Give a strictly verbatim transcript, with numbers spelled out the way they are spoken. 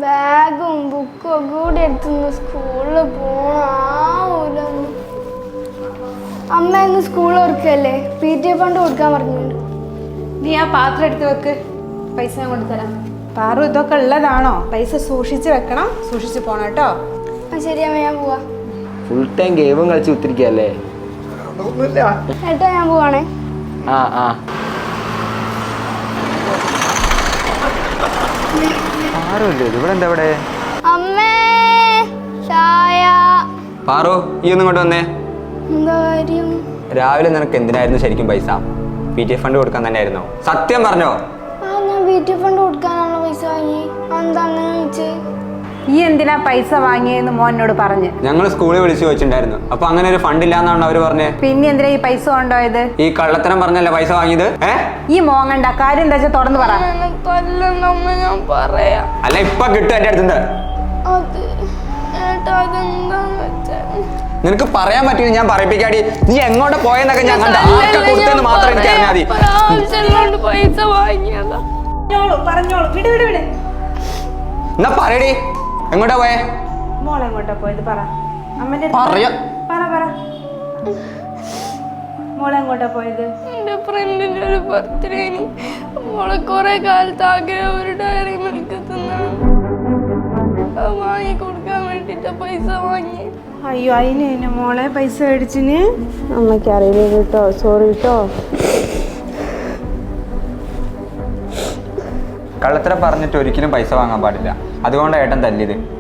ബാഗും ബുക്കും ഒക്കെ കൂടി എടുത്തുനിന്ന് സ്കൂളിൽ പോണ. അമ്മ ഇന്ന് സ്കൂളിൽ ഓർക്കല്ലേ, പി ടി എ ഫണ്ട് കൊടുക്കാൻ പറഞ്ഞിട്ടുണ്ട്. നീ ആ പാത്രം എടുത്ത് വെക്ക്, പൈസ ഞാൻ കൊണ്ടുതരാം. പാറു ഇതൊക്കെ ഉള്ളതാണോ? പൈസ സൂക്ഷിച്ച് വെക്കണം, സൂക്ഷിച്ച് പോണം കേട്ടോ. ആ ശരി അമ്മ, ഞാൻ പോവാ. ഫുൾ ടൈം ഗെയിമും കളിച്ച് കുത്തിരിക്കല്ലേ? ഏട്ടാ ഞാൻ പോവാണേ. ആ ആ ആരുമില്ലേ ഇവിടെ? എന്താ ഇവിടെ? അമ്മേ ചായ. പാറു ഈ ഒന്നും ഇങ്ങോട്ട് വന്നേ. എന്താ കാര്യം? രാവിലെ നിനക്ക് എന്തിനായിരുന്നു ശരിക്കും പൈസ? പി ടി എ ഫണ്ട് കൊടുക്കാൻ തന്നെ ആയിരുന്നോ? സത്യം പറഞ്ഞോ? ആ ഞാൻ പി ടി എ ഫണ്ട് കൊടുക്കാനാണല്ലോ പൈസ വാങ്ങി. എന്താ അങ്ങനെ ചോദിച്ചേ? ഈ എന്തിനാ പൈസ വാങ്ങിയെന്ന് മോനോട് പറഞ്ഞ് ഞങ്ങൾ സ്കൂളിൽ വിളിച്ചു ചോദിച്ചിട്ടുണ്ടായിരുന്നു. അപ്പൊ അങ്ങനെ ഒരു ഫണ്ട് ഇല്ലാന്നാണ് അവര് പറഞ്ഞത്. പിന്നെ എന്തിനാ ഈ പൈസ കൊണ്ടുപോയത്? ഈ കള്ളത്തരം പറഞ്ഞല്ലേ പൈസ വാങ്ങിയത്? ഏഹ് ഈ മോങ്ങണ്ട, കാര്യം എന്താ വെച്ചാൽ തുറന്നു പറ. ഞാൻ പറയാം. അല്ല ഇപ്പൊ കിട്ടും എന്റെ അടുത്തുണ്ട്. അത് ഏട്ടാ അതെന്താന്ന് വെച്ചാ നിനക്ക് പറയാൻ പറ്റില്ല, ഞാൻ പറയിപ്പിക്കാടി. നീ എങ്ങോട്ട് പോയെന്നൊക്കെ ഞാൻ കണ്ട ആർക്കാ കൊടുത്തെന്ന് മാത്രം എനിക്ക് അറിഞ്ഞാൽ മതി. പൈസ വാങ്ങിയതാ. പറഞ്ഞോളൂ, വിട് വിട് വിട്. എന്നാ പറയടി, എങ്ങോട്ടാ പോയേ? മോളെങ്ങോട്ടാ പോയത് പറ. അമ്മന്റെ പറയാ പറ പറ മോളെങ്ങോട്ടാ പോയത്? എന്റെ ഫ്രണ്ടിന്റെ ഒരു ബർത്ത്ഡേന് മോളെ കുറെ കാലത്ത് ആഗ്രഹം ഒരു ഡയറി മിൽക്ക് തിന്നാണ്. വാങ്ങി കൊടുക്കാൻ വേണ്ടിട്ട് പൈസ വാങ്ങി. അയ്യോ അതിന് തന്നെ മോളെ പൈസ മേടിച്ചിന്. അമ്മയ്ക്ക് അറിയില്ല കേട്ടോ, സോറി കേട്ടോ. കള്ളത്തരം പറഞ്ഞിട്ട് ഒരിക്കലും പൈസ വാങ്ങാൻ പാടില്ല. അതുകൊണ്ടാണ് ഏട്ടൻ തല്ലിയത്.